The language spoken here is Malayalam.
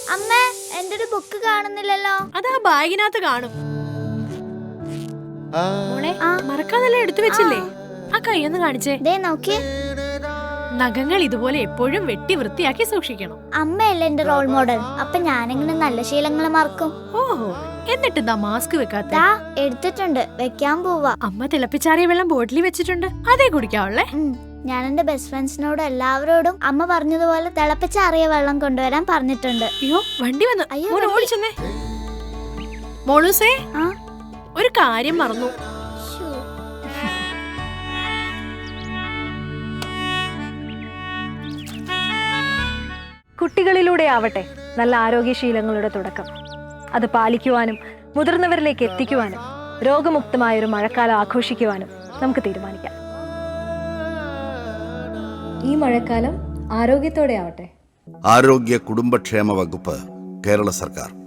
അമ്മ, എന്റെ ഒരു ബുക്ക് കാണുന്നില്ലല്ലോ. അതാ ബാഗിനകത്ത് കാണും. മോളെ, മറക്കാതെല്ലാം എടുത്തു വെച്ചില്ലേ? ആ കൈയൊന്ന് കാണിച്ചേ. ദേ നോക്കിയേ. നഖങ്ങൾ ഇതുപോലെ എപ്പോഴും വെട്ടി വൃത്തിയാക്കി സൂക്ഷിക്കണം. അമ്മയല്ലേ എന്റെ റോൾ മോഡൽ, അപ്പൊ ഞാനിങ്ങനെ നല്ല ശീലങ്ങൾ മറക്കും. ഓഹോ, എന്നിട്ട് എന്താ മാസ്ക് വെക്കാത്ത? എടുത്തിട്ടുണ്ട്, വെക്കാൻ പോവാ. അമ്മ തിളപ്പിച്ചാറിയ വെള്ളം ബോട്ടിലിൽ വെച്ചിട്ടുണ്ട്, അതേ കുടിക്കാവുള്ളേ. ഞാൻ എന്റെ ബെസ്റ്റ് ഫ്രണ്ട്സിനോട് എല്ലാവരോടും അമ്മ പറഞ്ഞതുപോലെ തിളപ്പിച്ചാറിയ വെള്ളം കൊണ്ടുവരാൻ പറഞ്ഞിട്ടുണ്ട്. അയ്യോ, വണ്ടി വന്നു. ഓടിച്ചെന്നേ. മോളൂസേ, ഒരു കാര്യം മറന്നു. കുട്ടികളിലൂടെ ആവട്ടെ നല്ല ആരോഗ്യശീലങ്ങളുടെ തുടക്കം. അത് പാലിക്കുവാനും മുതിർന്നവരിലേക്ക് എത്തിക്കുവാനും രോഗമുക്തമായൊരു മഴക്കാലം ആഘോഷിക്കുവാനും നമുക്ക് തീരുമാനിക്കാം. ഈ മഴക്കാലം ആരോഗ്യത്തോടെ ആവട്ടെ. ആരോഗ്യ കുടുംബക്ഷേമ വകുപ്പ്, കേരള സർക്കാർ.